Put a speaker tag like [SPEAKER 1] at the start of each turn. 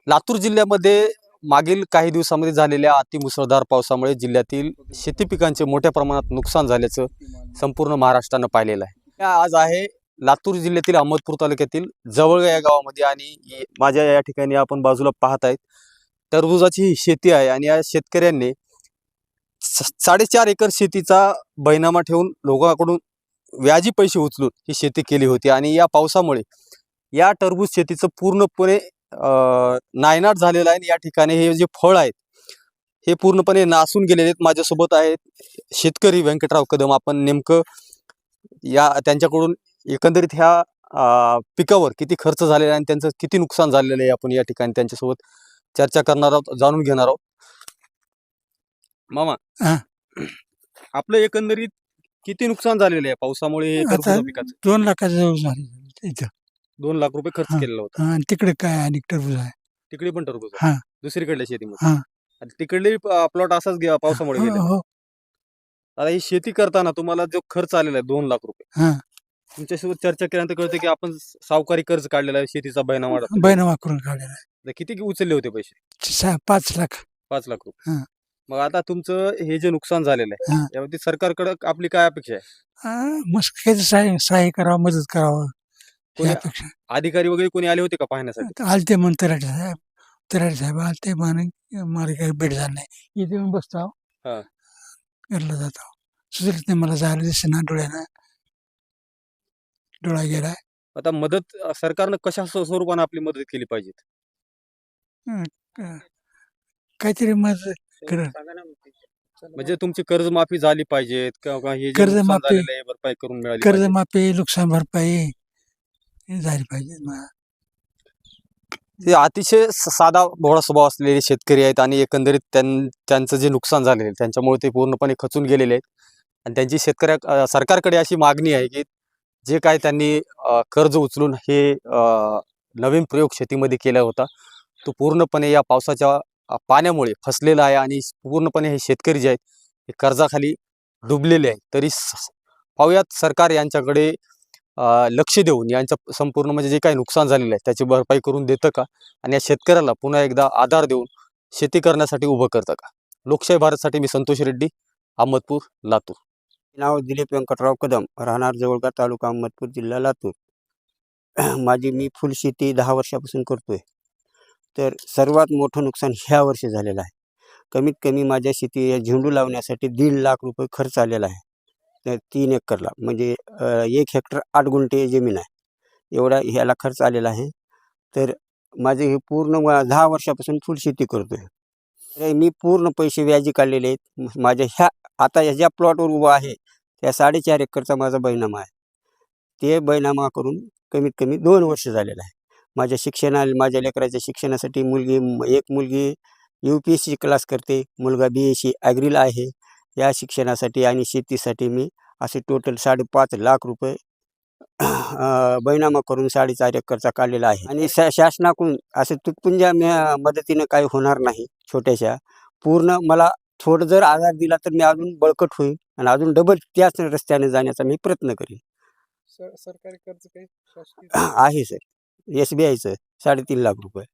[SPEAKER 1] लातूर जिल्ह्यामध्ये मागील काही दिवसांमध्ये झालेल्या अतिमुसळधार पावसामुळे जिल्ह्यातील शेती पिकांचे मोठ्या प्रमाणात नुकसान झाल्याचं संपूर्ण महाराष्ट्रानं पाहिलेलं आहे. आज आहे लातूर जिल्ह्यातील अहमदपूर तालुक्यातील जवळगा या गावामध्ये आणि माझ्या या ठिकाणी आपण बाजूला पाहत आहेत टरबुजाची ही शेती आहे आणि या शेतकऱ्यांनी 4.5 एकर शेतीचा बैनामा ठेवून लोकांकडून व्याजी पैसे उचलून ही शेती केली होती आणि या पावसामुळे या टरबूज शेतीचं पूर्णपणे नायनाट झालेला आहे. या ठिकाणी हे जे फळ आहेत हे पूर्णपणे नासून गेलेले आहेत. माझ्यासोबत आहेत शेतकरी व्यंकटराव कदम. आपण नेमकं त्यांच्याकडून एकंदरीत ह्या पिकावर किती खर्च झालेला आहे आणि त्यांचं किती नुकसान झालेलं आहे आपण या ठिकाणी त्यांच्यासोबत चर्चा करणार आहोत, जाणून घेणार आहोत. मामा, आपलं एकंदरीत किती नुकसान झालेलं आहे पावसामुळे टरबूज पिकाचं?
[SPEAKER 2] 2 लाखाच्या जवळ झाले इथं.
[SPEAKER 1] 2 लाख रुपये खर्च केलेला होता.
[SPEAKER 2] आणि तिकडे काय आणि टरबूज आहे.
[SPEAKER 1] तिकडे पण टरबूज
[SPEAKER 2] हा.
[SPEAKER 1] दुसरीकडल्या शेतीमध्ये
[SPEAKER 2] हा.
[SPEAKER 1] आणि तिकडले प्लॉट असाच पावसामुळे गेले.
[SPEAKER 2] हो.
[SPEAKER 1] आता ही शेती करताना तुम्हाला जो खर्च आलेला आहे 2 लाख रुपये,
[SPEAKER 2] हा.
[SPEAKER 1] तुमच्यासोबत चर्चा केल्यानंतर कळते की आपण सावकारी कर्ज काढलेला आहे, शेतीचा
[SPEAKER 2] बैनामा करून काढलेला आहे.
[SPEAKER 1] किती उचलले होते पैसे?
[SPEAKER 2] 5 लाख.
[SPEAKER 1] 5 लाख रुपये.
[SPEAKER 2] हा.
[SPEAKER 1] मग आता तुमचं हे जे नुकसान झालेलं आहे
[SPEAKER 2] हा.
[SPEAKER 1] यावरती सरकारकडे आपली काय अपेक्षा आहे?
[SPEAKER 2] मस्त काही सहाय्य करावं, मदत करावं
[SPEAKER 1] कोणी
[SPEAKER 2] यापेक्षा.
[SPEAKER 1] अधिकारी वगैरे कोणी आले होते का पाहण्यासाठी?
[SPEAKER 2] आलते म्हणून तराटे साहेब आलते म्हणे मला काही भेट झालं नाही. इथे येऊन बसतो
[SPEAKER 1] हा.
[SPEAKER 2] घरला जातो. सुचलत नाही मला, जायला दिसेना डोळ्यानं, डोळा गेलाय.
[SPEAKER 1] आता मदत सरकारनं कशा स्वरूपाने आपली मदत केली पाहिजे?
[SPEAKER 2] काहीतरी मदत कर.
[SPEAKER 1] म्हणजे तुमची कर्जमाफी झाली पाहिजे किंवा हे जे नुकसान
[SPEAKER 2] कर्जमाफी-
[SPEAKER 1] झालेलं आहे भरपाई करून मिळाली पाहिजे.
[SPEAKER 2] कर्जमाफी, नुकसान भरपाई झाली पाहिजे.
[SPEAKER 1] ते अतिशय साधा भोळा स्वभाव असलेले शेतकरी आहेत आणि एकंदरीत त्यांचं जे नुकसान झालेलं आहे त्यांच्यामुळे ते पूर्णपणे खचून गेलेले आहेत आणि त्यांची सरकारकडे अशी मागणी आहे की जे काय त्यांनी कर्ज उचलून हे नवीन प्रयोग शेतीमध्ये केला होता तो पूर्णपणे या पावसाच्या पाण्यामुळे फसलेला आहे आणि पूर्णपणे हे शेतकरी जे आहेत हे कर्जाखाली डुबलेले आहेत. तरी पाहूयात सरकार यांच्याकडे लक्ष देऊन यांचं संपूर्ण म्हणजे जे काही नुकसान झालेलं आहे त्याची भरपाई करून देतं का आणि या शेतकऱ्याला पुन्हा एकदा आधार देऊन शेती करण्यासाठी उभं करतं का? लोकशाही भारतसाठी मी संतोष रेड्डी, अहमदपूर, लातूर.
[SPEAKER 3] नाव दिलीप व्यंकटराव कदम, राहणार जवळगा, तालुका अहमदपूर, जिल्हा लातूर. मी फुल शेती 10 वर्षापासून करतोय. तर सर्वात मोठं नुकसान ह्या वर्षी झालेलं आहे. कमीत कमी माझ्या शेती झेंडू लावण्यासाठी 1.5 लाख रुपये खर्च आलेला आहे. तर 3 एकरला म्हणजे 1 हेक्टर 8 गुंठे जमीन आहे, एवढा ह्याला खर्च आलेला आहे. तर माझे हे पूर्ण 10 वर्षापासून फुल शेती करतोय. तर मी पूर्ण पैसे व्याजी काढलेले आहेत. माझ्या आता ज्या प्लॉटवर उभा आहे त्या 4.5 एकरचा माझा बैनामा आहे. ते बैनामा करून कमीत कमी 2 वर्ष झालेलं आहे. माझ्या लेकराच्या शिक्षणासाठी एक मुलगी UPSC क्लास करते, मुलगा BSc ॲग्रीला आहे. या शिक्षणासाठी आणि शेतीसाठी मी असे टोटल 5.5 लाख रुपये बैनामा करून 4.5 एकरचा काढलेला आहे. आणि शासनाकडून असं तुटपुंज्या मदतीनं काही होणार नाही. छोट्याशा पूर्ण मला थोडं जर आधार दिला तर मी अजून बळकट होईल आणि अजून डबल त्याच रस्त्याने जाण्याचा मी प्रयत्न करीन.
[SPEAKER 4] सरकारी कर्ज काही
[SPEAKER 3] आहे सर, SBIचं 3.5 लाख रुपये.